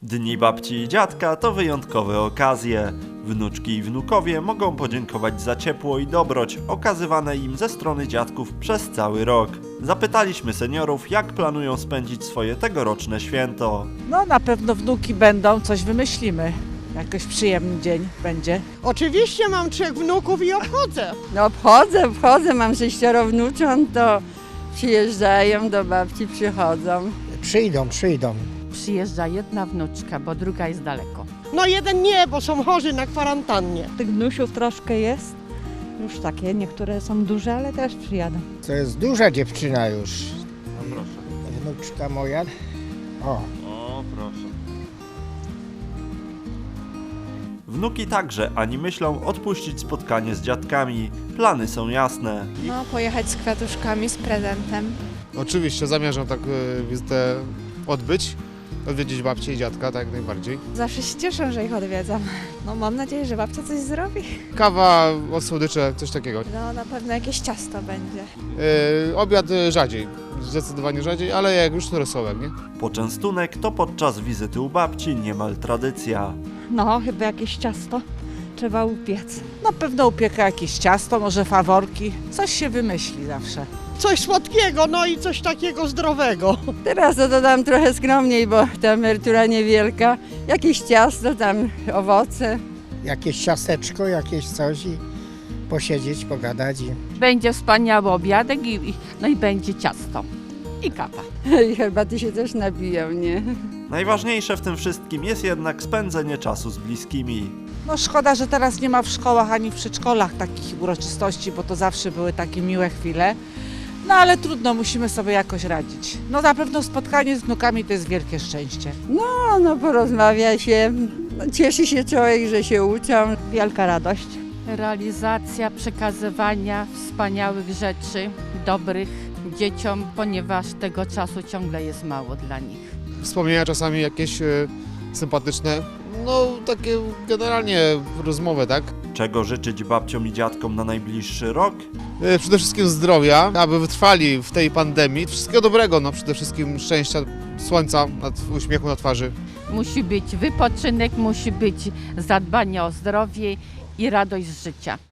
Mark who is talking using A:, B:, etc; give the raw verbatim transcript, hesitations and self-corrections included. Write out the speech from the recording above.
A: Dni babci i dziadka to wyjątkowe okazje. Wnuczki i wnukowie mogą podziękować za ciepło i dobroć okazywane im ze strony dziadków przez cały rok. Zapytaliśmy seniorów, jak planują spędzić swoje tegoroczne święto.
B: No na pewno wnuki będą, coś wymyślimy. Jakoś przyjemny dzień będzie.
C: Oczywiście mam trzech wnuków i obchodzę.
D: No obchodzę, obchodzę, mam sześcioro wnucząt, to przyjeżdżają do babci, przychodzą.
E: Przyjdą, przyjdą.
F: Przyjeżdża jedna wnuczka, bo druga jest daleko.
C: No jeden nie, bo są chorzy na kwarantannie.
G: Tych wnusiów troszkę jest, już takie, niektóre są duże, ale też przyjadą.
E: To jest duża dziewczyna już.
A: No proszę.
E: Wnuczka moja. O,
A: O, proszę. Wnuki także ani myślą odpuścić spotkanie z dziadkami. Plany są jasne.
H: No, pojechać z kwiatuszkami, z prezentem.
I: Oczywiście zamierzam tak y, wizytę odbyć, odwiedzić babcię i dziadka, tak jak najbardziej.
H: Zawsze się cieszę, że ich odwiedzam. No, mam nadzieję, że babcia coś zrobi.
I: Kawa, od słodycze, coś takiego.
H: No, na pewno jakieś ciasto będzie.
I: Y, obiad y, rzadziej, zdecydowanie rzadziej, ale jak już to rosołek, nie?
A: Poczęstunek to podczas wizyty u babci niemal tradycja.
G: No, chyba jakieś ciasto trzeba upiec.
B: Na pewno upieka jakieś ciasto, może faworki. Coś się wymyśli zawsze.
C: Coś słodkiego, no i coś takiego zdrowego.
D: Teraz to dodam trochę skromniej, bo ta emerytura niewielka. Jakieś ciasto, tam owoce.
E: jakieś ciasteczko, jakieś coś i posiedzieć, pogadać. I...
F: Będzie wspaniały obiadek i, i, no i będzie ciasto i kawa.
D: I herbaty się też nabiją, nie?
A: Najważniejsze w tym wszystkim jest jednak spędzenie czasu z bliskimi.
B: No szkoda, że teraz nie ma w szkołach ani w przedszkolach takich uroczystości, bo to zawsze były takie miłe chwile. No ale trudno, musimy sobie jakoś radzić. No na pewno spotkanie z wnukami to jest wielkie szczęście.
D: No, no porozmawia się, no, cieszy się człowiek, że się uczą.
G: Wielka radość.
F: Realizacja przekazywania wspaniałych rzeczy, dobrych dzieciom, ponieważ tego czasu ciągle jest mało dla nich.
I: Wspomnienia czasami jakieś y, sympatyczne, no takie generalnie rozmowy, tak?
A: Czego życzyć babciom i dziadkom na najbliższy rok?
I: Y, przede wszystkim zdrowia, aby wytrwali w tej pandemii. Wszystkiego dobrego, no przede wszystkim szczęścia, słońca, uśmiechu na twarzy.
F: Musi być wypoczynek, musi być zadbanie o zdrowie i radość z życia.